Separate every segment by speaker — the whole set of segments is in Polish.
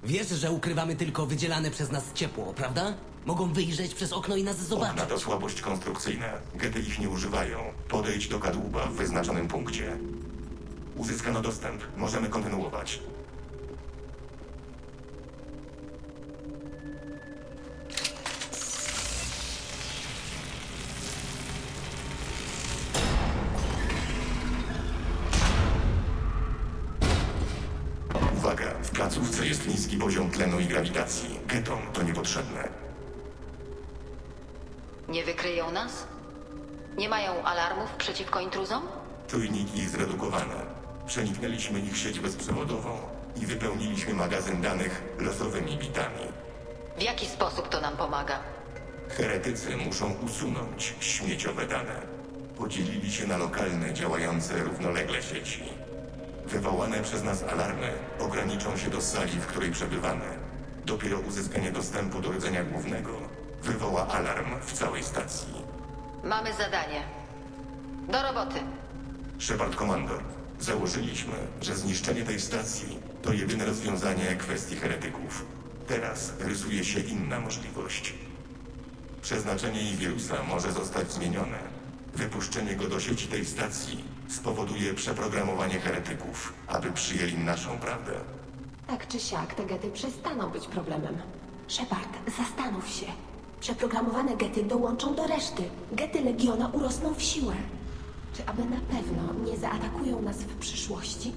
Speaker 1: Wiesz, że ukrywamy tylko wydzielane przez nas ciepło, prawda? Mogą wyjrzeć przez okno i nas zobaczyć.
Speaker 2: Okna to słabość konstrukcyjna. Gety ich nie używają. Podejdź do kadłuba w wyznaczonym punkcie. Uzyskano dostęp. Możemy kontynuować. Uwaga, w placówce jest niski poziom tlenu i grawitacji. Getom to niepotrzebne.
Speaker 3: Nie wykryją nas? Nie mają alarmów przeciwko intruzom?
Speaker 2: Czujniki zredukowane. Przeniknęliśmy ich sieć bezprzewodową i wypełniliśmy magazyn danych losowymi bitami.
Speaker 3: W jaki sposób to nam pomaga?
Speaker 2: Heretycy muszą usunąć śmieciowe dane. Podzielili się na lokalne, działające równolegle sieci. Wywołane przez nas alarmy ograniczą się do sali, w której przebywamy. Dopiero uzyskanie dostępu do rdzenia głównego wywoła alarm w całej stacji.
Speaker 3: Mamy zadanie. Do roboty.
Speaker 2: Shepard Komandor, założyliśmy, że zniszczenie tej stacji to jedyne rozwiązanie kwestii heretyków. Teraz rysuje się inna możliwość. Przeznaczenie jej wirusa może zostać zmienione. Wypuszczenie go do sieci tej stacji spowoduje przeprogramowanie heretyków, aby przyjęli naszą prawdę.
Speaker 4: Tak czy siak, te gety przestaną być problemem. Shepard, zastanów się. Przeprogramowane gety dołączą do reszty. Gety Legiona urosną w siłę. Czy aby na pewno nie zaatakują nas w przyszłości?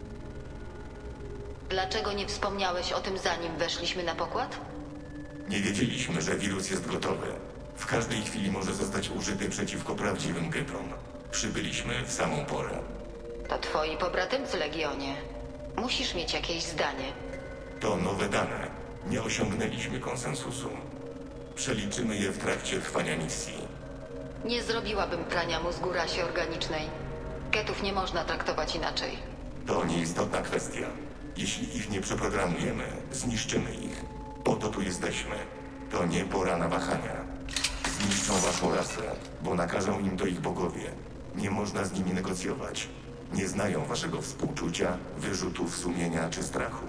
Speaker 3: Dlaczego nie wspomniałeś o tym, zanim weszliśmy na pokład?
Speaker 2: Nie wiedzieliśmy, że wirus jest gotowy. W każdej chwili może zostać użyty przeciwko prawdziwym getom. Przybyliśmy w samą porę.
Speaker 3: To twoi pobratymcy, Legionie. Musisz mieć jakieś zdanie.
Speaker 2: To nowe dane. Nie osiągnęliśmy konsensusu. Przeliczymy je w trakcie trwania misji.
Speaker 3: Nie zrobiłabym prania mózgu rasie organicznej. Getów nie można traktować inaczej.
Speaker 2: To nieistotna kwestia. Jeśli ich nie przeprogramujemy, zniszczymy ich. Po to tu jesteśmy. To nie pora na wahania. Zniszczą waszą rasę, bo nakażą im to ich bogowie. Nie można z nimi negocjować. Nie znają waszego współczucia, wyrzutów sumienia czy strachu.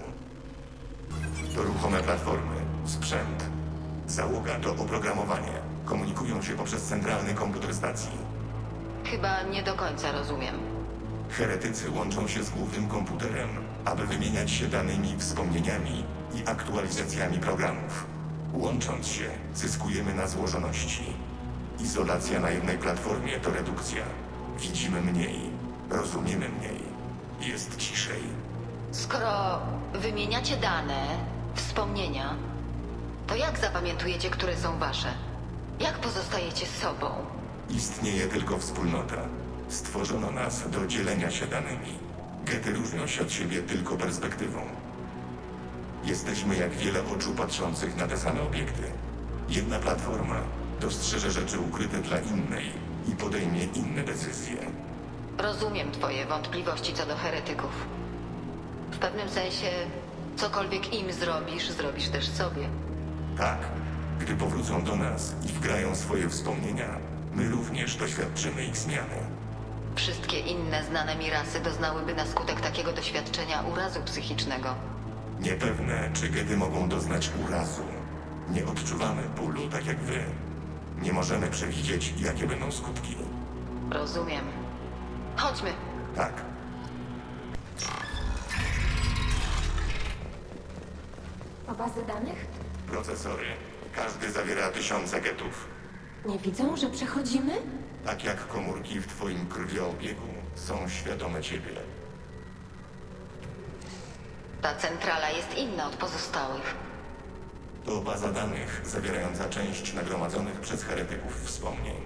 Speaker 2: To ruchome platformy, sprzęt. Załoga to oprogramowanie. Komunikują się poprzez centralny komputer stacji.
Speaker 3: Chyba nie do końca rozumiem.
Speaker 2: Heretycy łączą się z głównym komputerem, aby wymieniać się danymi, wspomnieniami i aktualizacjami programów. Łącząc się, zyskujemy na złożoności. Izolacja na jednej platformie to redukcja. Widzimy mniej, rozumiemy mniej. Jest ciszej.
Speaker 3: Skoro wymieniacie dane, wspomnienia, to jak zapamiętujecie, które są wasze? Jak pozostajecie sobą?
Speaker 2: Istnieje tylko wspólnota. Stworzono nas do dzielenia się danymi. Gety różnią się od siebie tylko perspektywą. Jesteśmy jak wiele oczu patrzących na te same obiekty. Jedna platforma dostrzeże rzeczy ukryte dla innej i podejmie inne decyzje.
Speaker 3: Rozumiem twoje wątpliwości co do heretyków. W pewnym sensie, cokolwiek im zrobisz, zrobisz też sobie.
Speaker 2: Tak, gdy powrócą do nas i wgrają swoje wspomnienia, my również doświadczymy ich zmiany.
Speaker 3: Wszystkie inne znane mi rasy doznałyby na skutek takiego doświadczenia urazu psychicznego.
Speaker 2: Niepewne, czy gety mogą doznać urazu. Nie odczuwamy bólu tak jak wy. Nie możemy przewidzieć, jakie będą skutki.
Speaker 3: Rozumiem. Chodźmy.
Speaker 2: Tak,
Speaker 4: A bazy danych?
Speaker 2: procesory. Każdy zawiera tysiące getów.
Speaker 4: Nie widzą, że przechodzimy?
Speaker 2: Tak jak komórki w twoim krwioobiegu są świadome ciebie.
Speaker 3: Ta centrala jest inna od pozostałych.
Speaker 2: To baza danych zawierająca część nagromadzonych przez heretyków wspomnień.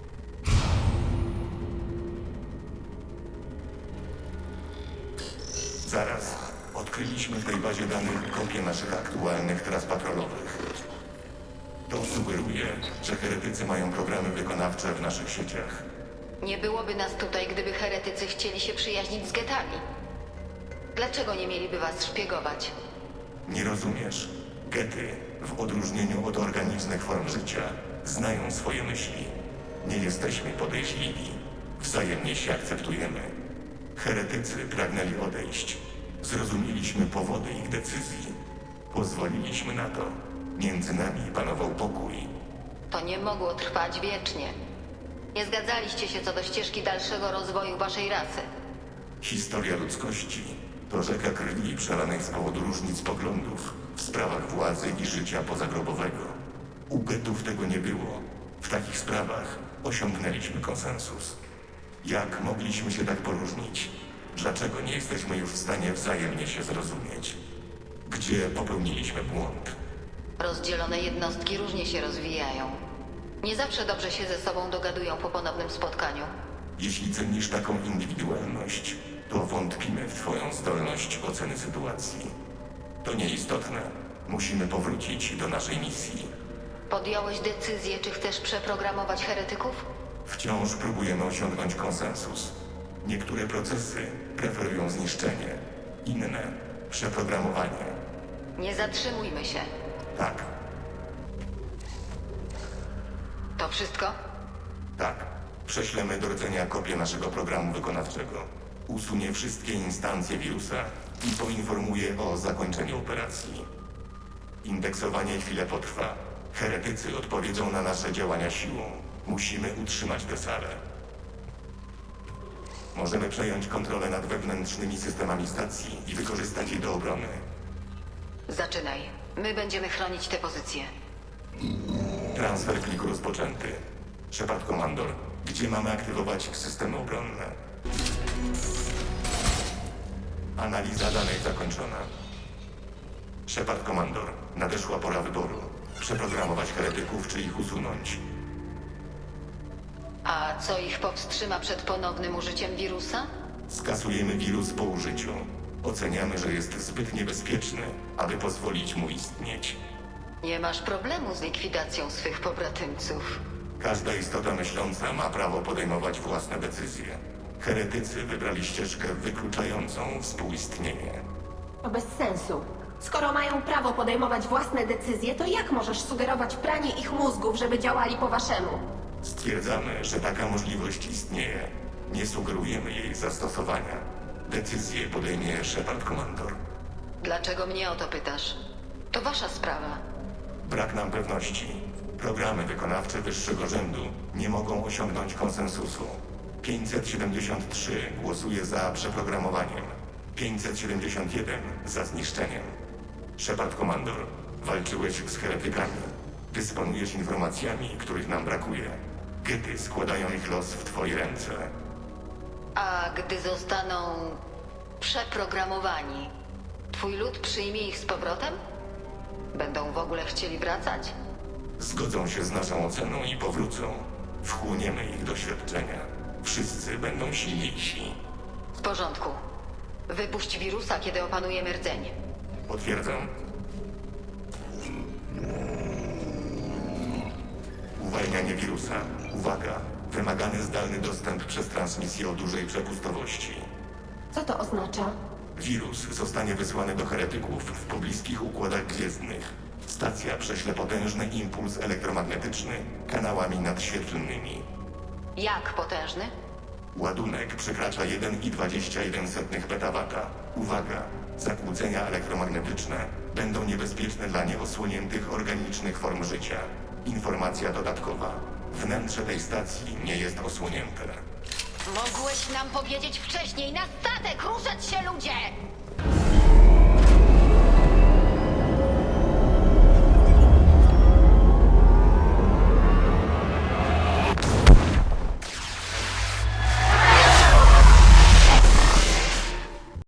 Speaker 2: Zaraz. Odkryliśmy w tej bazie danych kopię naszych aktualnych tras patrolowych. To sugeruje, że heretycy mają programy wykonawcze w naszych sieciach.
Speaker 3: Nie byłoby nas tutaj, gdyby heretycy chcieli się przyjaźnić z getami. Dlaczego nie mieliby was szpiegować?
Speaker 2: Nie rozumiesz. Gety, w odróżnieniu od organicznych form życia, znają swoje myśli. Nie jesteśmy podejrzliwi. Wzajemnie się akceptujemy. Heretycy pragnęli odejść. Zrozumieliśmy powody ich decyzji. Pozwoliliśmy na to. Między nami panował pokój.
Speaker 3: To nie mogło trwać wiecznie. Nie zgadzaliście się co do ścieżki dalszego rozwoju waszej rasy.
Speaker 2: Historia ludzkości to rzeka krwi przelanej z powodu różnic poglądów w sprawach władzy i życia pozagrobowego. U getów tego nie było. W takich sprawach osiągnęliśmy konsensus. Jak mogliśmy się tak poróżnić? Dlaczego nie jesteśmy już w stanie wzajemnie się zrozumieć? Gdzie popełniliśmy błąd?
Speaker 3: Rozdzielone jednostki różnie się rozwijają. Nie zawsze dobrze się ze sobą dogadują po ponownym spotkaniu.
Speaker 2: Jeśli cenisz taką indywidualność, to wątpimy w twoją zdolność oceny sytuacji. To nieistotne. Musimy powrócić do naszej misji.
Speaker 3: Podjąłeś decyzję, czy chcesz przeprogramować heretyków?
Speaker 2: Wciąż próbujemy osiągnąć konsensus. Niektóre procesy preferują zniszczenie, inne przeprogramowanie.
Speaker 3: Nie zatrzymujmy się.
Speaker 2: Tak,
Speaker 3: To wszystko?
Speaker 2: tak. Prześlemy do rdzenia kopię naszego programu wykonawczego. Usunie wszystkie instancje wirusa i poinformuje o zakończeniu operacji. Indeksowanie chwilę potrwa. Heretycy odpowiedzą na nasze działania siłą. Musimy utrzymać tę salę. Możemy przejąć kontrolę nad wewnętrznymi systemami stacji i wykorzystać je do obrony.
Speaker 3: Zaczynaj. My będziemy chronić te pozycje.
Speaker 2: Transfer pliku rozpoczęty. Shepard Komandor, gdzie mamy aktywować systemy obronne? Analiza danych zakończona. Shepard Komandor, nadeszła pora wyboru. Przeprogramować heretyków czy ich usunąć?
Speaker 3: A co ich powstrzyma przed ponownym użyciem wirusa?
Speaker 2: Skasujemy wirus po użyciu. Oceniamy, że jest zbyt niebezpieczny, aby pozwolić mu istnieć.
Speaker 3: Nie masz problemu z likwidacją swych pobratymców.
Speaker 2: Każda istota myśląca ma prawo podejmować własne decyzje. Heretycy wybrali ścieżkę wykluczającą współistnienie.
Speaker 4: To bez sensu. Skoro mają prawo podejmować własne decyzje, to jak możesz sugerować pranie ich mózgów, żeby działali po waszemu?
Speaker 2: Stwierdzamy, że taka możliwość istnieje. Nie sugerujemy jej zastosowania. Decyzję podejmie Shepard Komandor.
Speaker 3: Dlaczego mnie o to pytasz? To wasza sprawa.
Speaker 2: Brak nam pewności. Programy wykonawcze wyższego rzędu nie mogą osiągnąć konsensusu. 573 głosuje za przeprogramowaniem. 571 za zniszczeniem. Shepard Komandor, walczyłeś z heretykami. Dysponujesz informacjami, których nam brakuje. Gety składają ich los w twoje ręce.
Speaker 3: A gdy zostaną przeprogramowani, twój lud przyjmie ich z powrotem? Będą w ogóle chcieli wracać?
Speaker 2: Zgodzą się z naszą oceną i powrócą. Wchłoniemy ich doświadczenia. Wszyscy będą silniejsi.
Speaker 3: W porządku. Wypuść wirusa, kiedy opanujemy rdzeń.
Speaker 2: Potwierdzam. Uwalnianie wirusa. Uwaga! Wymagany zdalny dostęp przez transmisję o dużej przepustowości.
Speaker 4: Co to oznacza?
Speaker 2: Wirus zostanie wysłany do heretyków w pobliskich układach gwiezdnych. Stacja prześle potężny impuls elektromagnetyczny kanałami nadświetlnymi.
Speaker 3: Jak potężny?
Speaker 2: Ładunek przekracza 1,21 petawata. Uwaga! Zakłócenia elektromagnetyczne będą niebezpieczne dla nieosłoniętych organicznych form życia. Informacja dodatkowa. Wnętrze tej stacji nie jest osłonięte.
Speaker 3: Mogłeś nam powiedzieć wcześniej! Na statek! Ruszać się, ludzie!